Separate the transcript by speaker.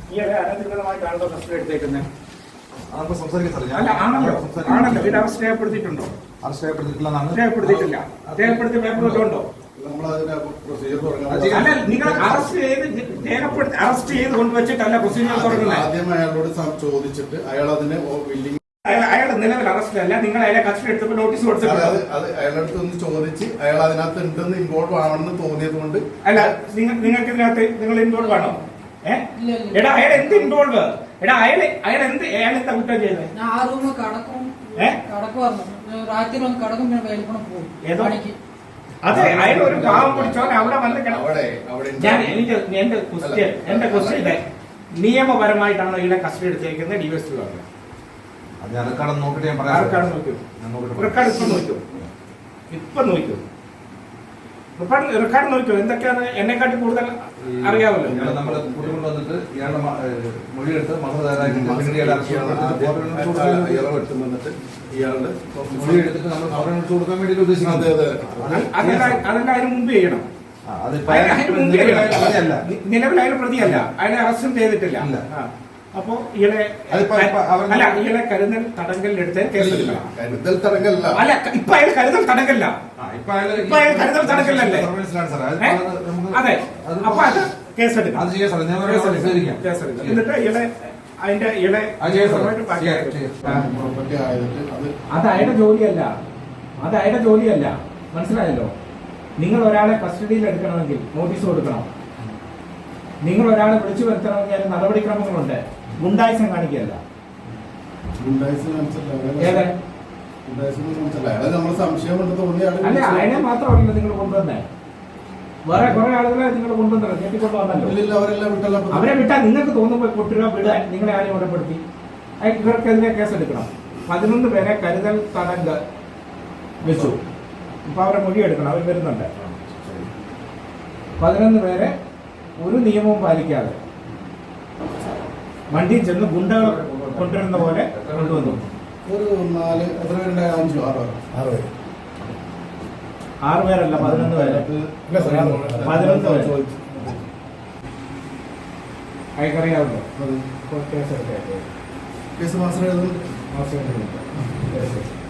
Speaker 1: ഈ അനധികൃതമായിട്ടാണല്ലോ കസ്റ്റഡി എടുത്തേക്കുന്നത്.
Speaker 2: നമുക്ക് സംസാരിക്കാം സാർ.
Speaker 1: അല്ല ആണല്ലോ ഇത് അറസ്റ്റ് രേഖപ്പെടുത്തിയിട്ടുണ്ടോ?
Speaker 2: അറസ്റ്റ് രേഖപ്പെടുത്തിയിട്ടില്ല.
Speaker 1: രേഖപ്പെടുത്തിയിട്ടില്ല. രേഖപ്പെടുത്തിയ പേപ്പർ ഉണ്ടോ? അല്ല നിങ്ങൾ അറസ്റ്റ് ചെയ്ത് കൊണ്ടുവച്ചിട്ടല്ല പ്രൊസീജിയർ തുടങ്ങുന്നത്.
Speaker 3: ആദ്യം അയാളോട് ചോദിച്ചിട്ട് അയാൾ അതിന്
Speaker 1: അയാളുടെ നിലവിൽ അറസ്റ്റിലല്ല, നിങ്ങൾ അയാളെ കസ്റ്റഡി എടുത്തപ്പോൾ നോട്ടീസ് കൊടുത്തിട്ടുണ്ട്.
Speaker 3: അത് അയാളടുത്ത് ഒന്ന് ചോദിച്ച് അയാൾ അതിനകത്ത് ഉണ്ടെന്ന് ഇൻവോൾവ് ആവണമെന്ന് തോന്നിയത് കൊണ്ട്.
Speaker 1: അല്ല നിങ്ങൾക്ക് ഇതിനകത്ത് നിങ്ങൾ ഇൻവോൾവ് ആണോ? എടാ അയാൾ എന്ത് ഇൻവോൾവ്? എടാ അയാൾ എന്താ കുറ്റം ചെയ്തത്? അതെ അയാൾ ഒരു പാവം പിടിച്ചോൻ അവിടെ വന്ന് ഞാൻ എന്റെ ക്വസ്റ്റ്യൻ ഇതേ, നിയമപരമായിട്ടാണോ ഇതിനെ കസ്റ്റഡി എടുത്തേക്കുന്നത്? ഡിവൈഎസ്പി പറഞ്ഞു.
Speaker 2: റെക്കോർഡ് നോക്കിട്ട് ഞാൻ പറയാം.
Speaker 1: റെക്കോർഡ് ഇപ്പൊ നോക്കൂ. റെക്കോർഡ് നോക്കൂ. എന്തൊക്കെയാണ് എന്നെക്കാട്ടി കൂടുതൽ അറിയാമല്ലോ.
Speaker 2: നമ്മള് കൂട്ടിക്കൊണ്ടുവന്നിട്ട് ഇയാളുടെ മൊഴിയെടുത്ത്
Speaker 3: ഇയാളുടെ
Speaker 2: മൊഴിയെടുത്തിട്ട് നമ്മൾ ഫോറിനേഴ്സ് കൊടുക്കാൻ വേണ്ടി ഉദ്ദേശിക്കുന്നത്.
Speaker 1: അതെല്ലാം അതിന് മുമ്പ് ചെയ്യണം. നിലവിൽ അയാൾ പ്രതിയല്ല, അയാളെ അറസ്റ്റും ചെയ്തിട്ടില്ല. അപ്പോ ഇയാളെ കരുതൽ തടങ്കലിലെടുത്ത് കേസെടുക്കണം.
Speaker 3: കരുതൽ തടങ്കല്ല.
Speaker 1: അല്ല ഇപ്പൊ അയാൾ കരുതൽ തടങ്കല്ല. ഇപ്പൊ അയാൾ കരുതൽ തടങ്കലിലല്ലേ? അതെ. അപ്പൊ അത് കേസെടുക്കണം. എന്നിട്ട് ഇയാളെ അതിന്റെ അത് അയാളുടെ ജോലിയല്ല. അത് അയാളുടെ ജോലിയല്ല. മനസ്സിലായല്ലോ? നിങ്ങൾ ഒരാളെ കസ്റ്റഡിയിൽ എടുക്കണമെങ്കിൽ നോട്ടീസ് കൊടുക്കണം. നിങ്ങൾ ഒരാളെ വിളിച്ചു വരുത്തണമെങ്കിൽ അതിന് നടപടിക്രമങ്ങളുണ്ട്. ഗുണ്ടായിസം കാണിക്കല്ല. അല്ല അതിനെ മാത്രമല്ല നിങ്ങൾ കൊണ്ടുവന്നേ. വേറെ കുറെ ആളുകളെ നിങ്ങൾ കൊണ്ടുവന്നല്ലോ, ഞെട്ടിക്കൊണ്ടുവന്നല്ലോ. അവരെ വിട്ടാൽ നിങ്ങൾക്ക് തോന്നുമ്പോൾ കൊട്ടുക വിടാൻ നിങ്ങളെ ആരും ഉറപ്പെടുത്തി ഇവർക്കെതിരെ കേസെടുക്കണം. 11 പേരെ കരുതൽ തടങ്കൽ വെച്ചു. ഇപ്പൊ അവരെ മൊഴിയെടുക്കണം. അവർ വരുന്നുണ്ട്. 11 പേരെ ഒരു നിയമവും പാലിക്കാതെ വണ്ടിയിൽ ചെന്ന് ഗുണ്ടകൾ കൊണ്ടുവരുന്ന പോലെ കൊണ്ടുവന്നു.
Speaker 3: ഒരു
Speaker 1: 6 പേരല്ല, 11 പേര്. 11 പേര് അയക്കറിയാവുന്നോ?
Speaker 3: കേസ് മാസം